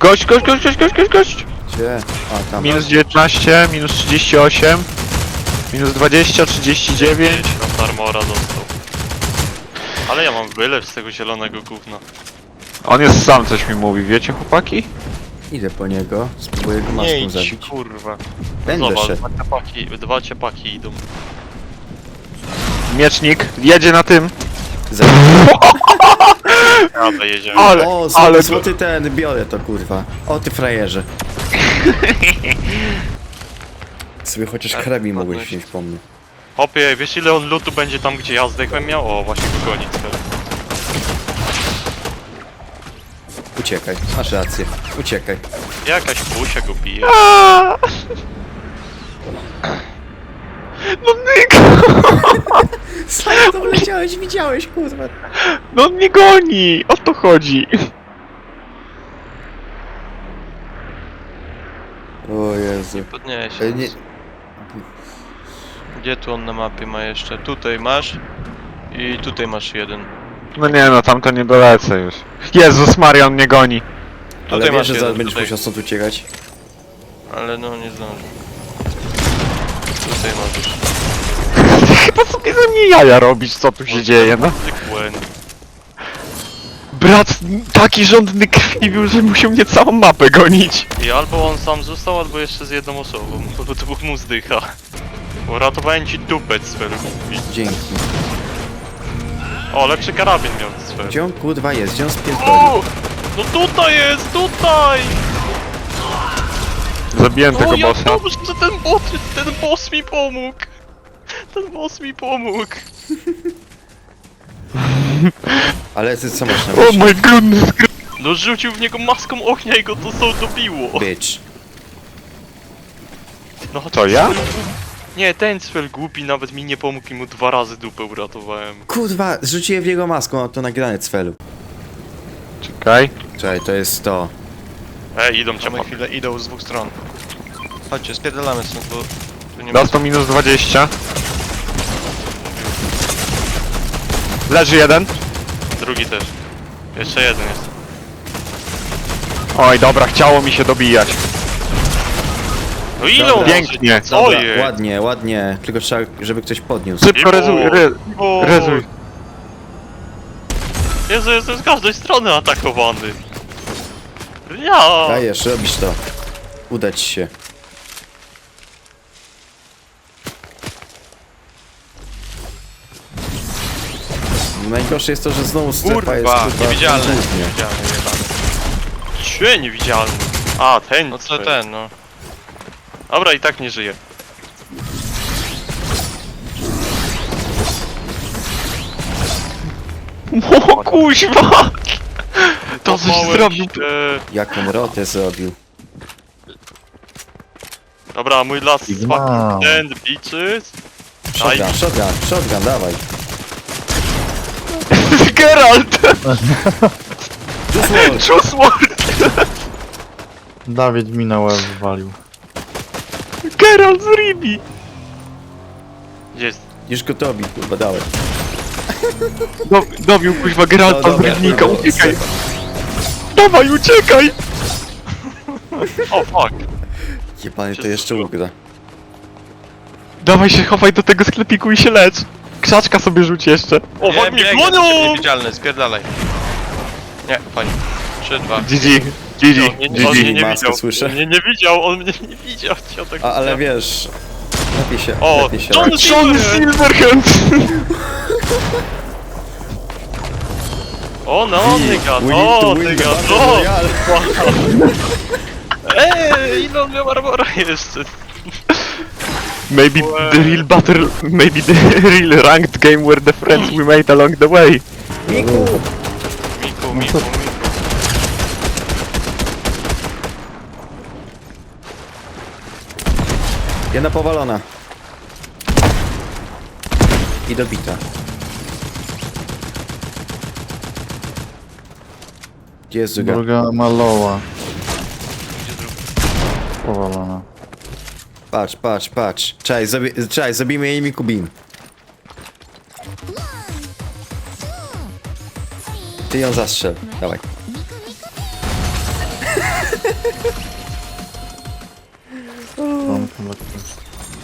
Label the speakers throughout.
Speaker 1: Gość!
Speaker 2: Gdzie? A, tam.
Speaker 1: Minus 19, minus 38, minus 20, 39.
Speaker 3: Tam armora dostał. Ale ja mam wylew z tego zielonego gówna.
Speaker 1: On jest sam, coś mi mówi, wiecie chłopaki?
Speaker 2: Idę po niego, spróbuję go
Speaker 3: Nie
Speaker 2: maską
Speaker 3: idź,
Speaker 2: zabić.
Speaker 3: kurwa.
Speaker 2: Będę
Speaker 3: Zobacz,
Speaker 2: szedł.
Speaker 3: dwa ciepaki idą.
Speaker 1: Miecznik, jedzie na tym.
Speaker 3: Dobra, jedziemy.
Speaker 1: Ale,
Speaker 2: O,
Speaker 1: ale
Speaker 2: złoty ten, biorę to kurwa. O ty frajerze. Sobie chociaż
Speaker 3: Tak,
Speaker 2: krebi mogłeś
Speaker 3: ładność.
Speaker 2: wziąć po mnie.
Speaker 3: Hopie, wiesz ile on lutu będzie tam, gdzie ja zdechłem miał? O, właśnie go goni teraz.
Speaker 2: Uciekaj, masz rację. Uciekaj.
Speaker 3: Jakaś pusia go bije.
Speaker 1: Aaaa! No Nyk!
Speaker 2: Sam to leciałeś, widziałeś kurwa.
Speaker 1: No on mnie goni! O to chodzi!
Speaker 2: O Jezu.
Speaker 3: Podniesie.
Speaker 2: Nie.
Speaker 3: Gdzie tu on na mapie ma jeszcze? Tutaj masz. I tutaj masz jeden.
Speaker 1: No nie no, tamto nie dolecę już. Jezus Maria, on mnie goni.
Speaker 2: Ale
Speaker 3: Tutaj
Speaker 2: wiesz,
Speaker 3: masz
Speaker 2: że
Speaker 3: jeden,
Speaker 2: zaraz będziesz
Speaker 3: tutaj.
Speaker 2: musiał stąd uciekać.
Speaker 3: Ale no nie zdążę. Tutaj możesz.
Speaker 1: Chyba sobie ze mnie jaja robisz, co tu się dzieje, no.
Speaker 3: Zwykłe.
Speaker 1: Brat taki żądny krwi był, że musiał mnie całą mapę gonić.
Speaker 3: I albo on sam został, albo jeszcze z jedną osobą. Bo to mu zdycha. Uratowałem ci dupę, Sfer.
Speaker 2: Dzięki.
Speaker 3: O, lepszy karabin miał Sfer.
Speaker 2: Gdzie on kurwa jest? Gdzie on spierdolił?
Speaker 3: O! No tutaj jest, tutaj!
Speaker 1: Zabiłem tego
Speaker 3: O, ja
Speaker 1: bossa.
Speaker 3: dobrze, że ten boss mi pomógł! Ten boss mi pomógł!
Speaker 2: Ale ty co masz na
Speaker 1: Oh
Speaker 2: myśli?
Speaker 1: my goodness.
Speaker 3: No rzucił w niego maską ognia i go to są dobiło!
Speaker 2: Bitch.
Speaker 3: No
Speaker 1: To ja?
Speaker 3: Nie, ten Sfer głupi nawet mi nie pomógł i mu 2 razy dupę uratowałem.
Speaker 2: Kurwa, zrzuciłem w jego maską, a to nagrane cfelu.
Speaker 1: Czekaj.
Speaker 2: Czekaj, to jest to.
Speaker 3: Idą cię
Speaker 4: Mamy chwilę, idą z dwóch stron. Chodźcie, spierdalamy stąd, bo tu nie ma...
Speaker 1: Dostał minus 20. Leży jeden.
Speaker 3: Drugi też. Jeszcze jeden jest.
Speaker 1: Oj, dobra, chciało mi się dobijać.
Speaker 3: No ile
Speaker 2: Dobra.
Speaker 3: on
Speaker 1: Pięknie.
Speaker 3: Co
Speaker 2: Dobra,
Speaker 3: jest?
Speaker 2: ładnie, ładnie. Tylko trzeba, żeby ktoś podniósł.
Speaker 1: Szybko rezuj, rezuj.
Speaker 3: Jezu, jestem z każdej strony atakowany. Ja.
Speaker 2: Dajesz, robisz to. Uda ci się. Najgorsze jest to, że znowu strefa jest
Speaker 4: Kurwa,
Speaker 2: kurwa,
Speaker 4: niewidzialny.
Speaker 2: głównie.
Speaker 4: Niewidzialny, jebany.
Speaker 3: Cię niewidzialny. A, ten.
Speaker 4: No co ten, no.
Speaker 3: Dobra, i tak nie żyje.
Speaker 1: O kuźwa! To coś
Speaker 3: Kopałem
Speaker 1: zrobił.
Speaker 3: się.
Speaker 2: Jaką rotę zrobił.
Speaker 3: Dobra, mój last fucking stand, bitches.
Speaker 2: Shotgun, shotgun, shotgun, dawaj.
Speaker 1: Geralt!
Speaker 2: Just
Speaker 1: Choose word!
Speaker 5: Dawid mi na łeb walił.
Speaker 1: Geralt z Ribi!
Speaker 3: Gdzie jest?
Speaker 2: Już go dobi, kurwa, dawaj.
Speaker 1: Dobił kuźwa Geralta z
Speaker 2: dobra,
Speaker 1: Rybnika,
Speaker 2: dobra,
Speaker 1: uciekaj!
Speaker 2: strefa.
Speaker 1: Dawaj, uciekaj!
Speaker 3: O, fuck.
Speaker 2: Jebany to jeszcze ugra.
Speaker 1: Dawaj się chowaj do tego sklepiku i się lecz! Krzaczka sobie rzuć jeszcze.
Speaker 3: O, fuck, mnie
Speaker 4: biegnie,
Speaker 3: gonią!
Speaker 4: niewidzialny, spierdalaj. Nie, fajnie. 3, 2.
Speaker 1: GG, GG,
Speaker 3: On mnie
Speaker 1: GG.
Speaker 3: nie
Speaker 2: Maskę
Speaker 3: widział.
Speaker 2: słyszę.
Speaker 3: On mnie nie widział, on mnie nie widział. Ja tak
Speaker 2: Ale wiesz... Lepiej się,
Speaker 3: O,
Speaker 2: lepiej się...
Speaker 3: John
Speaker 1: John Silverhand!
Speaker 3: O, no, nigga,
Speaker 2: We need
Speaker 3: no,
Speaker 2: to win the
Speaker 3: nigga,
Speaker 2: battle
Speaker 3: no!
Speaker 2: royale.
Speaker 3: Ile on miał armora jeszcze?
Speaker 1: Maybe the real battle, maybe the real ranked game were the friends we made along the way.
Speaker 2: Miku!
Speaker 3: Miku.
Speaker 2: Jedna powalona. I dobita. Gdzie jest druga?
Speaker 5: Druga maloła.
Speaker 3: Gdzie drugi?
Speaker 5: Powalona.
Speaker 2: Patrz, patrz, patrz. Czekaj, zrobimy jej Miku Beam. Ty ją zastrzel, dawaj.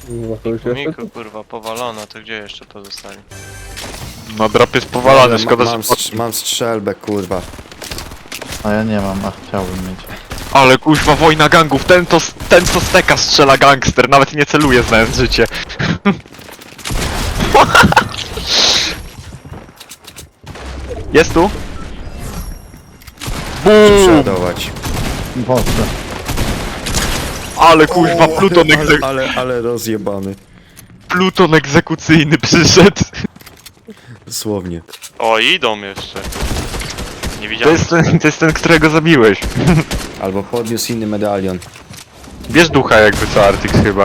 Speaker 6: No to już jest.
Speaker 4: Miku, kurwa, powalone, to gdzie jeszcze to zostali?
Speaker 1: No drop jest powalony,
Speaker 2: Dobra,
Speaker 1: szkoda, że...
Speaker 2: mam strzelbę, kurwa.
Speaker 5: A ja nie mam, a chciałbym mieć.
Speaker 1: Ale kuźwa, wojna gangów, ten co steka strzela gangster, nawet nie celuje znając życie. Jest tu? Boom!
Speaker 2: Przeładować.
Speaker 5: Boże.
Speaker 1: Ale kuźwa,
Speaker 2: Ale rozjebany.
Speaker 1: Pluton egzekucyjny przyszedł.
Speaker 2: Dosłownie.
Speaker 3: O, idą jeszcze. Nie
Speaker 1: To
Speaker 3: widziałem.
Speaker 1: jest ten, którego zabiłeś.
Speaker 2: Albo podniósł inny medalion.
Speaker 1: Bierz ducha jakby co, Artix chyba.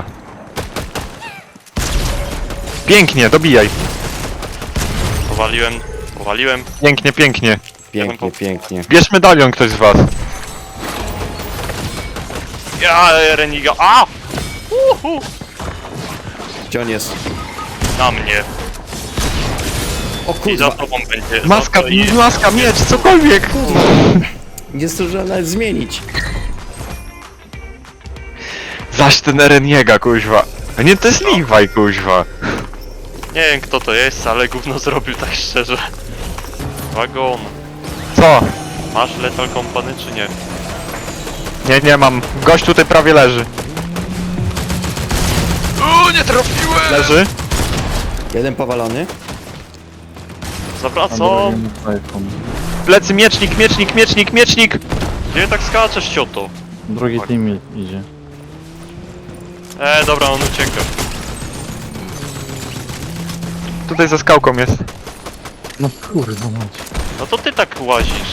Speaker 1: Pięknie, dobijaj.
Speaker 3: Powaliłem.
Speaker 1: Pięknie, pięknie.
Speaker 2: Pięknie, pięknie.
Speaker 1: Bierz medalion ktoś z was.
Speaker 3: Ja, Reniga. A! Uhu!
Speaker 2: Gdzie on jest?
Speaker 3: Na mnie.
Speaker 2: O
Speaker 3: I za
Speaker 2: kurwa,
Speaker 3: tobą będzie.
Speaker 1: Maska,
Speaker 3: za to i-
Speaker 1: maska, miecz, cokolwiek.
Speaker 2: nie zdążyłem nawet zmienić.
Speaker 1: Zaś ten Ereniega, kuźwa. A nie, to jest Levi, kuźwa.
Speaker 3: Nie wiem kto to jest, ale gówno zrobił tak szczerze. Wagon.
Speaker 1: Co?
Speaker 3: Masz Lethal Company czy nie?
Speaker 1: Nie mam. Gość tutaj prawie leży.
Speaker 3: Nie trafiłem!
Speaker 1: Leży?
Speaker 2: Jeden powalony.
Speaker 5: A
Speaker 3: Zawracam!
Speaker 5: drugi iPhone.
Speaker 1: Plecy, miecznik.
Speaker 3: Gdzie tak skaczesz, cioto?
Speaker 5: Drugi team idzie.
Speaker 3: Dobra, on ucieka.
Speaker 1: Tutaj za skałką jest.
Speaker 5: No kurwa mać.
Speaker 3: No to ty tak łazisz.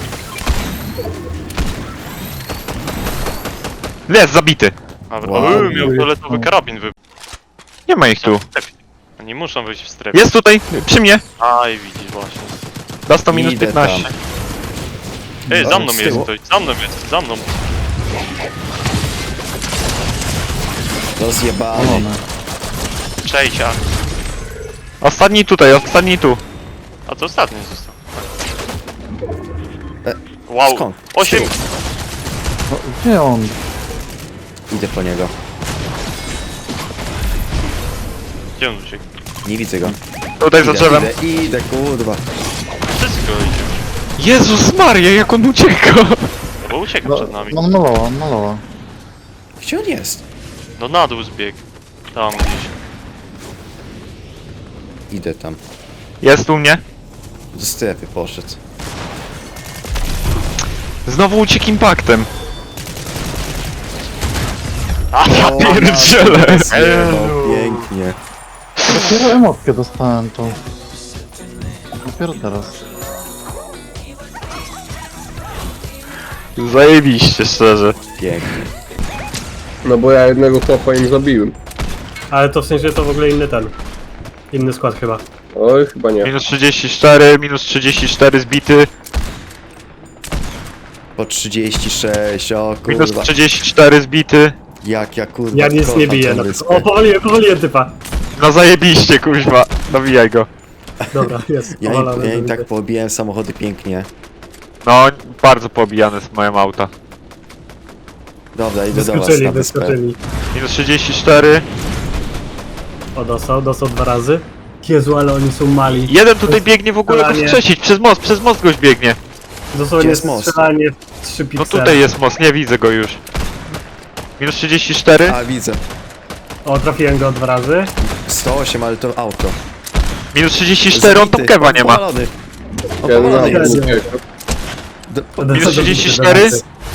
Speaker 1: Jest, zabity.
Speaker 3: Dobra,
Speaker 2: Wow.
Speaker 3: miał fioletowy karabin
Speaker 1: Nie ma ich tu.
Speaker 3: Oni muszą być w strefie.
Speaker 1: Jest tutaj, przy mnie.
Speaker 3: Aj, widzisz właśnie.
Speaker 1: Dostał minus
Speaker 2: Idę
Speaker 1: 15.
Speaker 2: tam.
Speaker 3: Ej, za mną
Speaker 2: z
Speaker 3: jest
Speaker 2: tyłu.
Speaker 3: ktoś, za mną jest, za mną.
Speaker 2: Rozjebany.
Speaker 3: Cześć, a...
Speaker 1: Ostatni tu.
Speaker 3: A to ostatni został.
Speaker 2: E,
Speaker 3: Wow,
Speaker 2: skąd?
Speaker 3: 8!
Speaker 5: No, gdzie on?
Speaker 2: Idę po niego.
Speaker 3: Gdzie on uciekł?
Speaker 2: Nie widzę go.
Speaker 1: Tutaj za drzewem.
Speaker 2: Idę, kurwa.
Speaker 3: Wszystko idzie.
Speaker 1: Jezus Maria, jak on ucieka.
Speaker 3: No bo ucieka
Speaker 5: No,
Speaker 3: przed nami.
Speaker 5: on malował.
Speaker 2: Gdzie on jest?
Speaker 3: No na dół zbiegł. Tam gdzieś.
Speaker 2: Idę tam.
Speaker 1: Jest u mnie.
Speaker 2: Do strefy poszedł.
Speaker 1: Znowu uciekł impaktem.
Speaker 3: A, ja
Speaker 2: O,
Speaker 1: pierdzielę.
Speaker 2: zjebał, pięknie.
Speaker 5: Dopiero emotkę dostałem tą. Dopiero teraz.
Speaker 1: Zajebiście, szczerze.
Speaker 2: Pięknie.
Speaker 6: No bo ja jednego chłopa im zabiłem. Ale to w sensie to w ogóle inny ten. Inny skład chyba. Oj, chyba nie.
Speaker 1: Minus 34 zbity.
Speaker 2: Po 36, o
Speaker 1: Minus
Speaker 2: kurwa.
Speaker 1: 34 zbity.
Speaker 2: Jak ja kurwa
Speaker 6: Ja nic
Speaker 2: kocham
Speaker 6: nie biję.
Speaker 2: tę
Speaker 6: No.
Speaker 2: wyspę.
Speaker 6: O, powoliłem typa.
Speaker 1: No zajebiście, kuźwa. Dobijaj go.
Speaker 6: Dobra, jest.
Speaker 2: Ja
Speaker 6: powalony,
Speaker 2: im tak
Speaker 6: dobry.
Speaker 2: pobiłem samochody pięknie.
Speaker 1: No, bardzo pobijane z moje auta.
Speaker 2: Dobra, idę do was
Speaker 6: Wyskoczyli,
Speaker 2: na wyspę.
Speaker 6: wyskoczyli.
Speaker 1: Minus 34.
Speaker 6: O, dostał 2 razy. Jezu, ale oni są mali.
Speaker 1: Jeden tutaj biegnie w ogóle go
Speaker 6: Strzelanie.
Speaker 1: wskrzesić. Przez most goś biegnie.
Speaker 2: Gdzie
Speaker 6: Dosłownie
Speaker 2: jest most?
Speaker 6: strzelanie w 3
Speaker 1: No
Speaker 6: piksele.
Speaker 1: tutaj jest most, nie widzę go już. Minus 34.
Speaker 2: A, widzę.
Speaker 6: O, trafiłem go 2 razy.
Speaker 2: 108, ale to auto.
Speaker 1: Minus 34, on tam
Speaker 2: Zbity.
Speaker 1: kewa nie ma.
Speaker 2: Powalony. O,
Speaker 6: Ja
Speaker 2: powalony
Speaker 6: nie
Speaker 2: jest.
Speaker 6: wiem.
Speaker 1: Minus 34.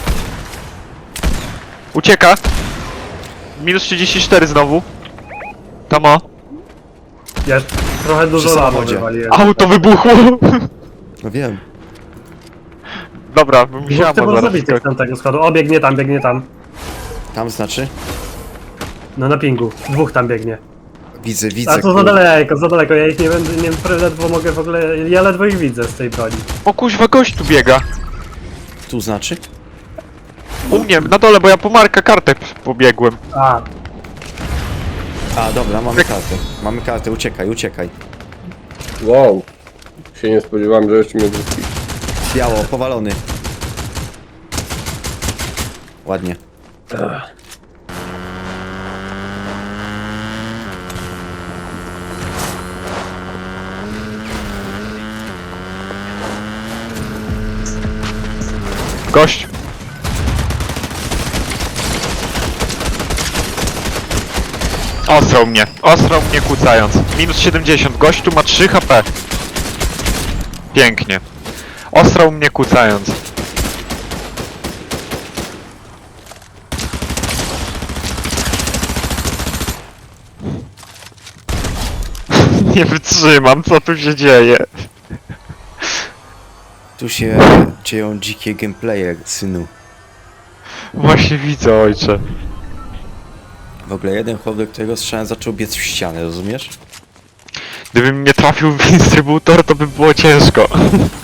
Speaker 1: Ucieka. Minus 34 znowu. Tam o.
Speaker 6: Ja trochę dużo
Speaker 2: Przy
Speaker 6: lamu
Speaker 2: samochodzie.
Speaker 6: wywaliłem.
Speaker 1: Auto wybuchło.
Speaker 2: No wiem.
Speaker 1: Dobra,
Speaker 6: Dwóch
Speaker 1: musiałem
Speaker 6: typów
Speaker 1: zaraz
Speaker 6: zabitych z tamtego składu. O, biegnie tam.
Speaker 2: Tam znaczy?
Speaker 6: No na pingu. 2 tam biegnie.
Speaker 2: Widzę, widzę.
Speaker 6: A to za
Speaker 2: kurwa.
Speaker 6: daleko. Ja ich nie będę, ledwo mogę w ogóle... Ja ledwo ich widzę z tej broni.
Speaker 1: O kuźwa, gość tu biega.
Speaker 2: Tu znaczy?
Speaker 1: U mnie, na dole, bo ja po Marka kartę pobiegłem.
Speaker 6: A,
Speaker 2: A, dobra, mamy kartę. Mamy kartę, uciekaj.
Speaker 6: wow. Się nie spodziewałem, że jeszcze mnie wróci.
Speaker 2: Biało, powalony. Ładnie.
Speaker 1: Gość! Ostrał mnie kłócając. Minus 70, gościu ma 3 HP. Pięknie. Ostrał mnie kłócając. Nie wytrzymam, co tu się dzieje.
Speaker 2: Tu się dzieją dzikie gameplaye, synu.
Speaker 1: Właśnie widzę, ojcze.
Speaker 2: W ogóle jeden chłop, do którego strzałem, zaczął biec w ścianę, rozumiesz?
Speaker 1: Gdybym nie trafił w instrybutor, to by było ciężko.